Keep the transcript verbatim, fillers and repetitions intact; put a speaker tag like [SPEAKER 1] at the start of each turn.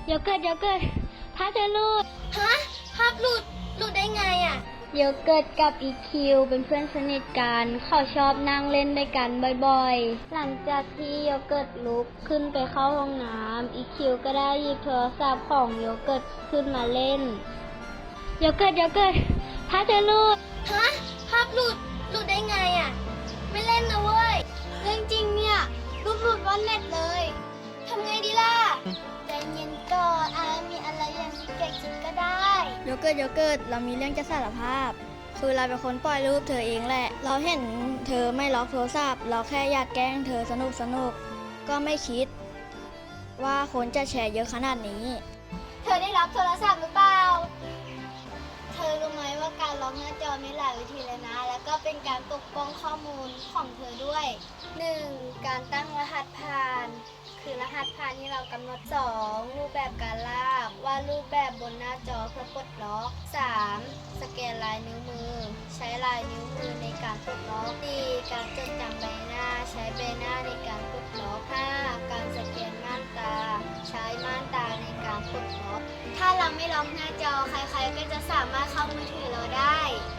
[SPEAKER 1] โยเกิร์ตโยเกิร์ตภาพเธอหลุด
[SPEAKER 2] ฮะภาพหลุดหลุดได้ไงอ่ะ
[SPEAKER 1] โยเกิร์ตกับอีคิวเป็นเพื่อนสนิทกันเขาชอบนั่งเล่นด้วยกันบ่อยๆหลังจากที่โยเกิร์ตลุกขึ้นไปเข้าห้องน้ำอีคิวก็ได้หยิบโทรศัพท์ของโยเกิร์ตขึ้นมาเล่นโยเกิร์ตโยเกิร์ตภาพเธอหลุด
[SPEAKER 2] ฮะภาพหลุดหลุดได้ไงอ่ะไม่เล่นนะเว้ยเรื่องจริงเนี่ยรูปหลุดวันเน็ตเลยทำไงดีล่ะใจเย็นก่อนอามีอะไรอย่างที่แกคิดก็ได้
[SPEAKER 3] โยเกิร์ตโยเกิร์ตเรามีเรื่องจะสารภาพคือเราเป็นคนปล่อยรูปเธอเองแหละเราเห็นเธอไม่ล็อกโทรศัพท์เราแค่อยากแกล้งเธอสนุกสนุกก็ไม่คิดว่าคนจะแชร์เยอะขนาดนี้
[SPEAKER 2] เธอได้รับโทรศัพท์หรือเปล่าเธอรู้ไหมว่าการล็อกหน้าจอมีหลายวิธีเลยนะแล้วก็เป็นการปกป้องข้อมูลของเธอด้วย หนึ่ง การตั้งรหัสผ่านคือรหัสผ่านที่เรากำหนด สอง รูปแบบการลากว่ารูปแบบบนหน้าจอเพื่อปลดล็อก สาม สแกนลายนิ้วมือใช้ลายนิ้วมือในการปลดล็อก สี่ การจดจำใบหน้าใช้ใบหน้าในการปลดล็อก ห้า การสแกนม่านตาใช้ม่านตาในการปลดล็อกถ้าเราไม่ล็อกหน้าจอใครๆก็จะสามารถเข้ามือถือเราได้